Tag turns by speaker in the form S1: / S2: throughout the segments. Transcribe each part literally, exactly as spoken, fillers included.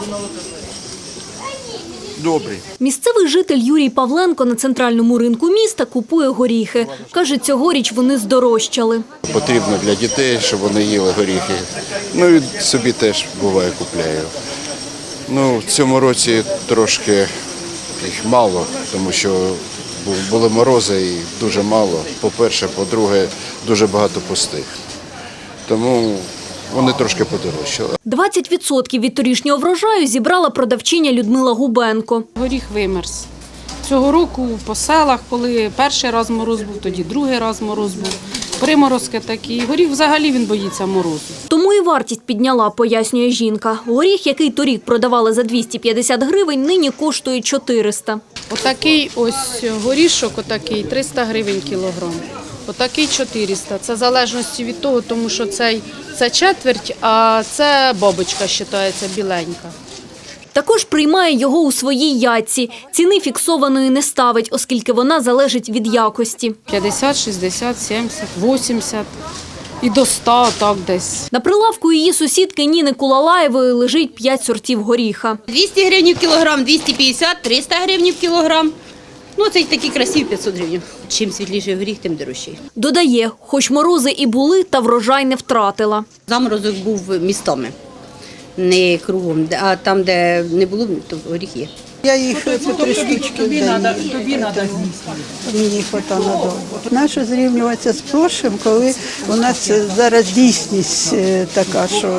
S1: Добрий.
S2: Місцевий житель Юрій Павленко на центральному ринку міста купує горіхи. Каже, цьогоріч вони здорожчали.
S1: Потрібно для дітей, щоб вони їли горіхи. Ну і собі теж буває купляю. Ну, в цьому році трошки їх мало, тому що були морози і дуже мало. По-перше, по-друге, дуже багато пустих. Тому вони трошки подорожчали.
S2: двадцять відсотків від торішнього врожаю зібрала продавчиня Людмила Губенко.
S3: Горіх вимерз. Цього року по селах, коли перший раз мороз був, тоді другий раз мороз був. Приморозки такі. Горіх взагалі він боїться морозу.
S2: Тому і вартість підняла, пояснює жінка. Горіх, який торік продавали за двісті п'ятдесят гривень, нині коштує чотириста.
S3: Отакий ось горішок, отакий триста гривень кілограм. Отакий чотириста. Це в залежності від того, тому що цей, це четверть, а це бабочка вважається біленька.
S2: Також приймає його у своїй ятці. Ціни фіксованої не ставить, оскільки вона залежить від якості.
S3: п'ятдесят, шістдесят, сімдесят, вісімдесят і до ста так десь.
S2: На прилавку її сусідки Ніни Кулалаєвої лежить п'ять сортів горіха.
S4: двісті гривень в кілограм, двісті п'ятдесят, триста гривень в кілограм. Ну, це такі красиві п'ятсот гривень. Чим світліший горіх, тим дорожчий.
S2: Додає, хоч морози і були, та врожай не втратила.
S4: Заморозок був містами, не кругом, а там, де не було, то горіх є.
S5: Я їх по три штучки в день. Мені хватає надовго. Нащо зрівнюватися з прошлим, коли у нас зараз дійсність така, що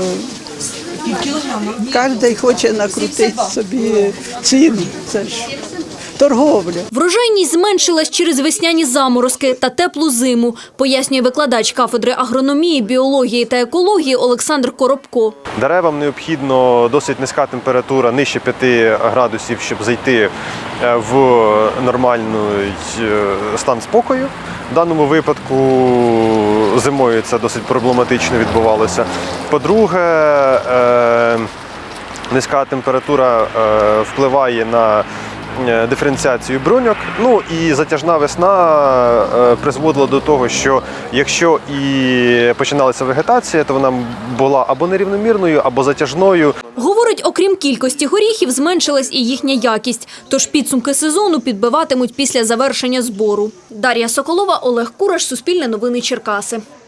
S5: кожен хоче накрутити собі ціну. Це ж торговля.
S2: Врожайність зменшилась через весняні заморозки та теплу зиму, пояснює викладач кафедри агрономії, біології та екології Олександр Коробко.
S6: Деревам необхідно досить низька температура, нижче п'яти градусів, щоб зайти в нормальний стан спокою. В даному випадку зимою це досить проблематично відбувалося. По-друге, низька температура впливає на диференціацію бруньок. Ну і затяжна весна призводила до того, що якщо і починалася вегетація, то вона була або нерівномірною, або затяжною.
S2: Говорить, окрім кількості горіхів, зменшилась і їхня якість. Тож підсумки сезону підбиватимуть після завершення збору. Дар'я Соколова, Олег Кураш, Суспільне новини, Черкаси.